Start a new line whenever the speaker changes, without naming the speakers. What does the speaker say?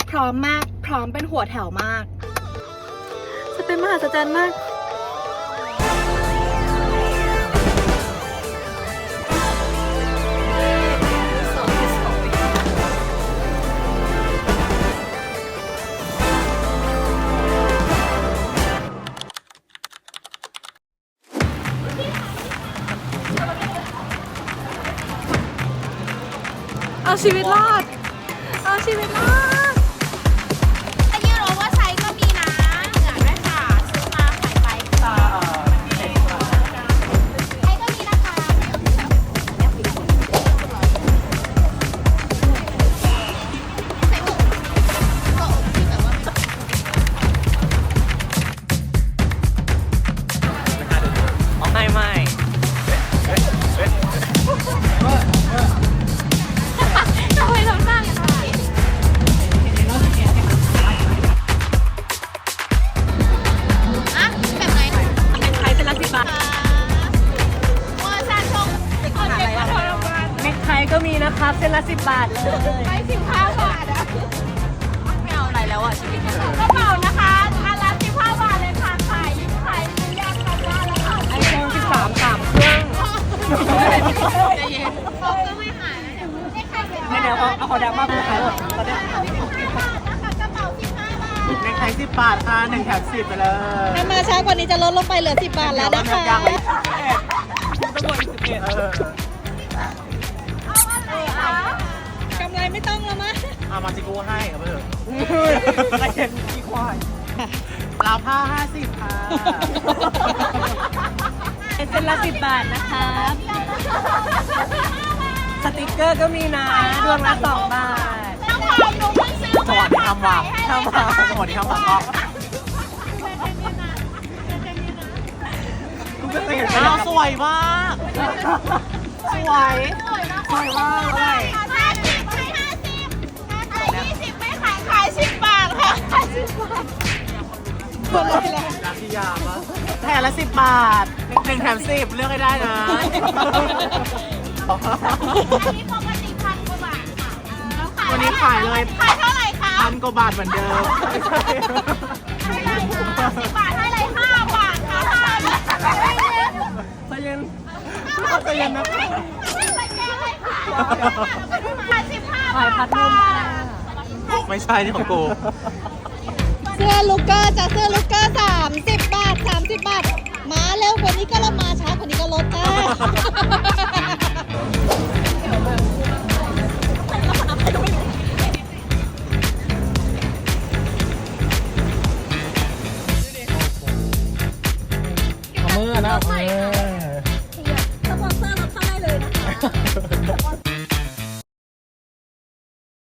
พร้อมมากพร้อมเป็นหัวแถวมากจะเป็นมหัศจรรย์มากเอาชีวิตรอดเอาชีวิตรอด
อันนี้รู้ว่าไซส์ก็มีนะเหลือด้วยค่ะซื้อมาขายไปไซส์ก็มีนะคะใส่อกก็อกที่แบบว่า
ไม่
ทำไมทำหน้าอย่างไรอะแบบไหน
เป็นไทยเป็นละ10 บาท
โอ้ยซานทงติดคนเด็กมาทรมาน
เน็กไทก็มีนะครับเส้นละ10 บาทเลย
ไป15 บาทอะไม่เอาอะไรแล้วอะชีวิตกระเป๋านะคะอันละ15 บาทเลยค่ะขายยากค่ะว่าแล้วค่ะ
ไอโฟน13 3 เครื่อง
ใจเย็นเขาก็ไม่หายนะเนี่ยได้ใครเป็น
เดี๋ยวเอาขอดังมากกูขายหมดตอนนี้
นะคะกระเป๋า15 บาท
ในไทย10 บาทค่ะ1 แถม 10ไปเลย
ถ้ามาช้ากว่านี้จะลดลงไปเหลือ10 บาทแล้วนะคะ
ยังต้องบวก11
เอาอะไรคะ
กำไรไม่ต้องแล้วมั้ย
เอามาจิกูให้เอาไปเถอะอะไรเห็นขี้ควายลาวผ้า50ค่ะ
เป็นเส้นละ10 บาทนะครับสติกเกอร์ก็มีนะดวงละ2 บาท
ต้องขายหนูเพิ่งซื้อ
สวัสดีคำว่าสวัสดีคำว่ากูก็เคยเห็นอ้าวสวยมากสวยสวยมากเลย
50ให้50ขาย20ไม่ขาย10 บาทค่ะขาย10 บาท
รักที่ยามะแถมละ10 บาท1 แถม 10เลือกให้ได้นะ
อันนี้ปกติ1,000 กว่าบาทค่ะ
วันนี้ขายเลย
ขายเท่าไหร่คะ
1,000 กว่าบาทเหมือนเดิม
10 บาทให้เลย5 บาทค่ะ
ใจเย็น
ใจเย็นนะ
ขายพัดลมค่ะ
ไม่ใช่นี่ของกู
เสื้อลูกเกอร์จ้ะเสื้อลูกเกอร์30 บาท30 บาทมาเร็วกว่านี้ก็ลดมาช้ากว่านี้ก็ลดจ้า
เอามือนะเอามือ
สปอนเซอร์ลดเข้าได้เลยนะคะ